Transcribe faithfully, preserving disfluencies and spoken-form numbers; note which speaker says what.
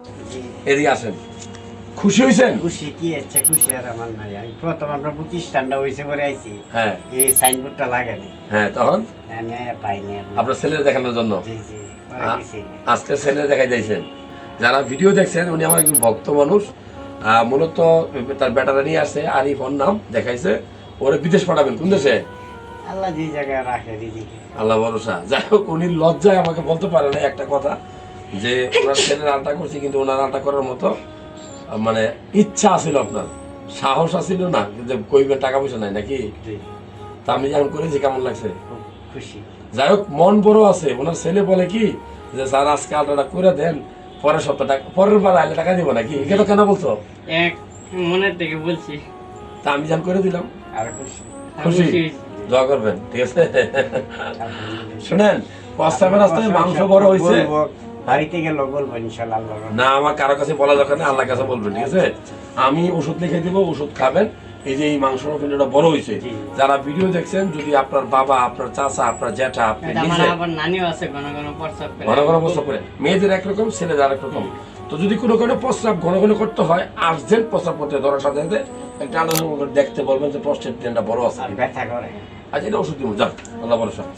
Speaker 1: এদিকে আসেন। খুশি হয়েছেন?
Speaker 2: খুশি কি আছে, খুশি আর আমার নাই। আমি প্রথম আমরা প্রতিষ্ঠানটা হয়েছে করে আইছি,
Speaker 1: হ্যাঁ
Speaker 2: এই সাইনবোর্ডটা লাগানি,
Speaker 1: হ্যাঁ, তখন
Speaker 2: আমি পাইনি।
Speaker 1: আপনার ছেলের দেখানোর জন্য
Speaker 2: জি জি পরে
Speaker 1: আ-
Speaker 2: গেছি।
Speaker 1: আজকে ছেলে দেখাই দিয়েছেন। যারা ভিডিও দেখছেন, উনি আমার একজন ভক্ত মানুষ। আহ, মূলত তার ব্যাটারা নিয়ে আসছে, আরিফ ওর নাম দেখাইছে। ওরে বিদেশ পাঠাবেন কোন দেশে?
Speaker 2: আল্লাহ যে জায়গায় রাখে রিজিকে।
Speaker 1: আল্লাহ ভরসা। যাই হোক, উনি লজ্জায় আমাকে বলতে পারে না একটা কথা, যে ওনার ছেলের আলটা করছি, কিন্তু ওনার আলটা করার মতো আহ, মানে ইচ্ছা আছিল, আপনার সাহস আছিল না, যে কইবেন টাকা পয়সা নাই নাকি।
Speaker 2: জি,
Speaker 1: তা আমি যেমন করেছি, কেমন লাগছে?
Speaker 2: খুব খুশি।
Speaker 1: যাই হোক, মন বড় আছে। ওনার ছেলে বলে কি, যে স্যার আজকে আলটাটা করে দেন, পরের সপ্তাহ টাকা, পরের বার আইলে টাকা দিব নাকি, এটা কেন বলছো?
Speaker 3: এক মনের থেকে বলছি।
Speaker 1: তা আমি যেমন করে দিলাম।
Speaker 2: আর খুশি।
Speaker 1: খুশি? দোয়া করবেন, ঠিক আছে? শুনেন, প্রস্তাবের রাস্তায় মাংস বড় হয়েছে,
Speaker 2: বলবো, বাড়িতে গেলে বলবো ইনশাল্লাহ। আল্লাহ
Speaker 1: না আমার কারো কাছে বলা দরকার নেই, আল্লাহর কাছে বলবেন, ঠিক আছে? আমি ওষুধ লিখে দিব, ওষুধ খাবেন। এই যে এই মাংসর পিণ্ডটা বড় হয়েছে,
Speaker 2: জি।
Speaker 1: যারা ভিডিও দেখছেন, যদি আপনার বাবা, আপনার চাচা, আপনার জ্যাঠা, আপনি
Speaker 3: এটা আমার
Speaker 1: নিজে
Speaker 3: আবার নানিও আছে, ঘন ঘন প্রস্তাব করে।
Speaker 1: ঘন ঘন প্রস্রাব করে, মেয়েদের একরকম, ছেলেদের আরেক রকম। তো যদি কোনো কোনো প্রস্রাব ঘন ঘন করতে হয়, আর্জেন্ট প্রস্রাব করতে হয়, ধরার সাথে সাথে একটা আলোচনা করে দেখতে বলবেন যে প্রস্টেট গ্ল্যান্ডটা বড় আছে।
Speaker 2: আর ব্যথা করে।
Speaker 1: আচ্ছা, এটা ওষুধ দিব, যান, আল্লাহ ভরসা।